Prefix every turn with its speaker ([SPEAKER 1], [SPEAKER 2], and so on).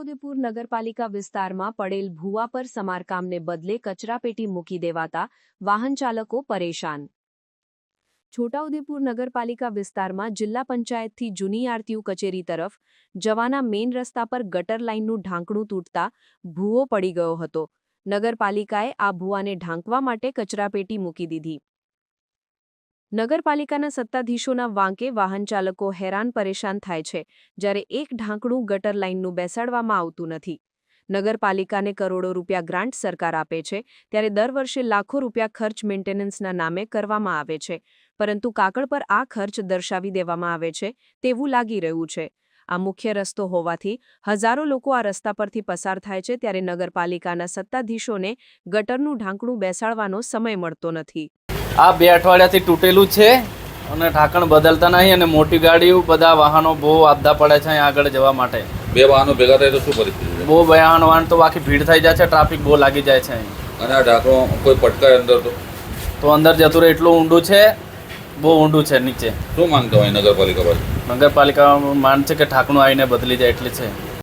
[SPEAKER 1] છોટાઉદેપુર નગરપાલિકા વિસ્તારમાં પડેલ ભૂવા પર સમારકામને બદલે કચરાપેટી મૂકી દેવાતા વાહન ચાલકો પરેશાન। છોટાઉદેપુર નગરપાલિકા વિસ્તારમાં જિલ્લા પંચાયતથી જૂની આરટીયુ કચેરી તરફ જવાના મેઇન રસ્તા પર ગટર લાઇનનું ઢાંકણું તૂટતા ભૂવો પડી ગયો હતો। નગરપાલિકાએ આ ભૂવાને ઢાંકવા માટે કચરાપેટી મૂકી દીધી। નગરપાલિકાના સત્તાધીશોના વાંકે વાહન ચાલકો હેરાન પરેશાન થાય છે, જ્યારે એક ઢાંકણું ગટર લાઇનનું બેસાડવામાં આવતું નથી। નગરપાલિકાને કરોડો રૂપિયા ગ્રાન્ટ સરકાર આપે છે, ત્યારે દર વર્ષે લાખો રૂપિયા ખર્ચ મેન્ટેનન્સના નામે કરવામાં આવે છે, પરંતુ કાગળ પર આ ખર્ચ દર્શાવી દેવામાં આવે છે તેવું લાગી રહ્યું છે। આ મુખ્ય રસ્તો હોવાથી હજારો લોકો આ રસ્તા પરથી પસાર થાય છે, ત્યારે નગરપાલિકાના સત્તાધીશોને ગટરનું ઢાંકણું બેસાડવાનો સમય મળતો નથી।
[SPEAKER 2] આ 2 અઠવાડિયાથી તૂટેલું છે અને ઢાંકણ બદલતા નહીં અને મોટી ગાડીઓ બધા વાહનો બહુ આપદા પડે છે અહીં આગળ જવા માટે।
[SPEAKER 3] 2 વાહનો ભેગા થાય તો શું પરિસ્થિતિ છે?
[SPEAKER 2] બહુ વાહન તો આખી ભીડ થઈ જાય છે, ટ્રાફિક બહુ લાગી જાય છે અહીં।
[SPEAKER 3] અને આ ઢાંકણો કોઈ પટકાય અંદર
[SPEAKER 2] તો અંદર જતું રહે એટલું ઊંડું છે, બહુ ઊંડું છે નીચે।
[SPEAKER 3] શું માંગતા હોય નગરપાલિકા પાસે?
[SPEAKER 2] નગરપાલિકા માંગ છે કે ઢાંકણું આવીને બદલી જાય એટલે છે।